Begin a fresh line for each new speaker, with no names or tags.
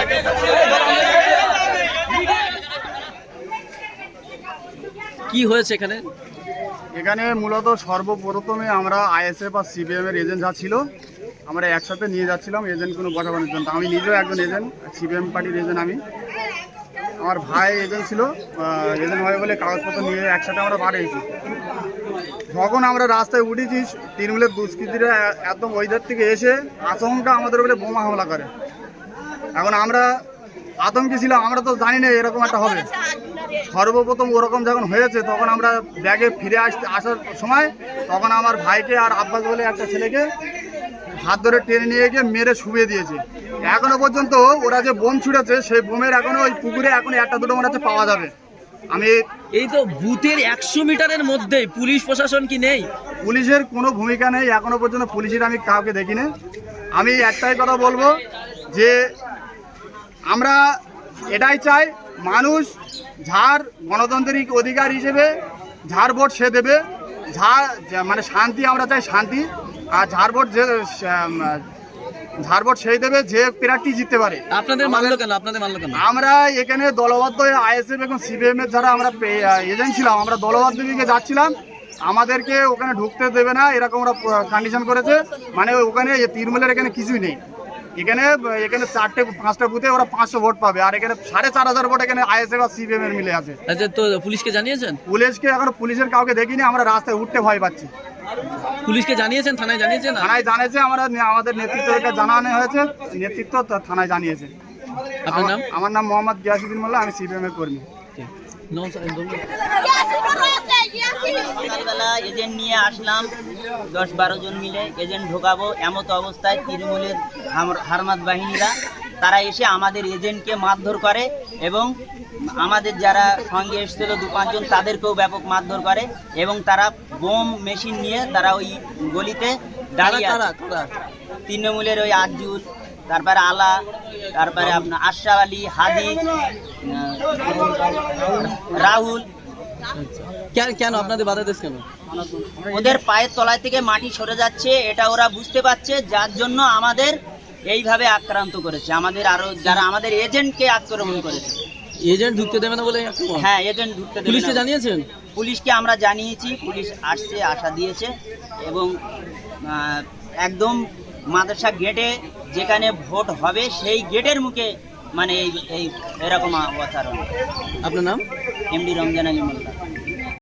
কি হয়েছে এখানে?
এখানে মূলত সর্বপ্রথমে আমরা আইএসএফ আর সিপিএম এর এজেন্ট যা ছিল আমরা একসাথে নিয়ে যাচ্ছিলাম এজেন্ট কোনো বসাবানোর জন্য। আমি নিজেও একজন এজেন্ট, সিপিএম পার্টির এজেন্ট। আমার ভাই এজেন্ট ছিল, এজেন্ট হয় বলে কাগজপত্র নিয়ে একসাথে আমরা পাঠিয়েছি। যখন আমরা রাস্তায় উঠেছি তৃণমূলের দুষ্কৃতীরা একদম ওইধার থেকে এসে আচমকা আমাদের উপরে বোমা হামলা করে। এখন আমরা আতঙ্কে ছিলাম, আমরা তো জানি না এরকম একটা হবে। সর্বপ্রথম ওরকম যখন হয়েছে তখন আমরা ব্যাগে ফিরে আসার সময় তখন আমার ভাইকে আর আব্বাস বলে একটা ছেলেকে হাত ধরে টেনে নিয়ে গিয়ে মেরে শুয়ে দিয়েছে। এখনো পর্যন্ত ওরা যে বোম ছুড়েছে সেই বোমের এখনো ওই পুকুরে এখন একটা দুটো মনে হচ্ছে পাওয়া যাবে।
এই তো বুথের 100 মিটারের মধ্যে পুলিশ প্রশাসন কি নেই?
পুলিশের কোনো ভূমিকা নেই এখনো পর্যন্ত, পুলিশের আমি কাউকে দেখিনি। আমি একটাই কথা বলবো যে আমরা এটাই চাই, মানুষ যার গণতান্ত্রিক অধিকার হিসেবে যার ভোট সে দেবে, মানে শান্তি আমরা চাই, শান্তি। আর যার ভোট সেই দেবে যে প্রার্থী জিততে পারে।
আপনাদের মানলো কেন?
আমরা এখানে দলবদ্ধ আইএসএফ এবং সিপিএম এর যারা আমরা এজেন্ট ছিলাম, আমরা দলবদ্ধ দিকে যাচ্ছিলাম, আমাদেরকে ওখানে ঢুকতে দেবে না এরকম ওরা কন্ডিশন করেছে। মানে ওখানে তৃণমূলের এখানে কিছুই নেই। এখানে 4-5টা বুথে ওরা 500 ভোট পাবে, আর এখানে 4500 ভোট এখানে আইএসএফ আর সিপিএম এর মিলে আছে।
আচ্ছা, তো পুলিশকে জানিয়েছেন?
পুলিশকে এখনো পুলিশের কাউকে দেখিনি, আমরা রাস্তায় উঠতে ভয় পাচ্ছি।
পুলিশকে জানিয়েছেন? থানায় জানিয়েছেন?
থানায় জানিয়েছে, আমাদের নেতৃত্বকে জানানো হয়েছে, নেতৃত্ব থানায় জানিয়েছে।
আপনার নাম?
আমার নাম মোহাম্মদ গিয়াসউদ্দিন মোল্লা, আমি সিপিএম এর কর্মী।
সকালবেলা এজেন্ট নিয়ে আসলাম, 10-12 জন মিলে এজেন্ট ঢোকাবো। এমত অবস্থায় তৃণমূলের হারমাত বাহিনীরা তারা এসে আমাদের এজেন্টকে মারধর করে এবং আমাদের যারা সঙ্গে এসেছিল 2-5 জন তাদেরকেও ব্যাপক মারধর করে এবং তারা বোম মেশিন নিয়ে তারা ওই গলিতে দাঁড়িয়ে আছে। তৃণমূলের ওই আজুল, তারপরে আলা, তারপরে আপনার আশরাফ আলী, হাদি, রাহুল।
কেন আপনাদের বাধা দিচ্ছে কেন?
ওদের পায়ের তলায় থেকে মাটি সরে যাচ্ছে, এটা ওরা বুঝতে পারছে, যার জন্য আমাদের এইভাবে আক্রান্ত করেছে। আমাদের আরো যারা আমাদের এজেন্টকে আক্রমণ করেছে।
এজেন্ট ঢুকতে দেবে না বলে?
হ্যাঁ, এজেন্ট ঢুকতে দেবে না।
পুলিশকে জানিয়েছেন?
পুলিশকে আমরা জানিয়েছি, পুলিশ আসছে, আশা দিয়েছে এবং একদম মাদ্রাসা গেটে যেখানে ভোট হবে সেই গেটের মুখে মানে এই এরকম অবতারণ।
আপনার নাম?
এমডি রমজান আলী মোল্লা।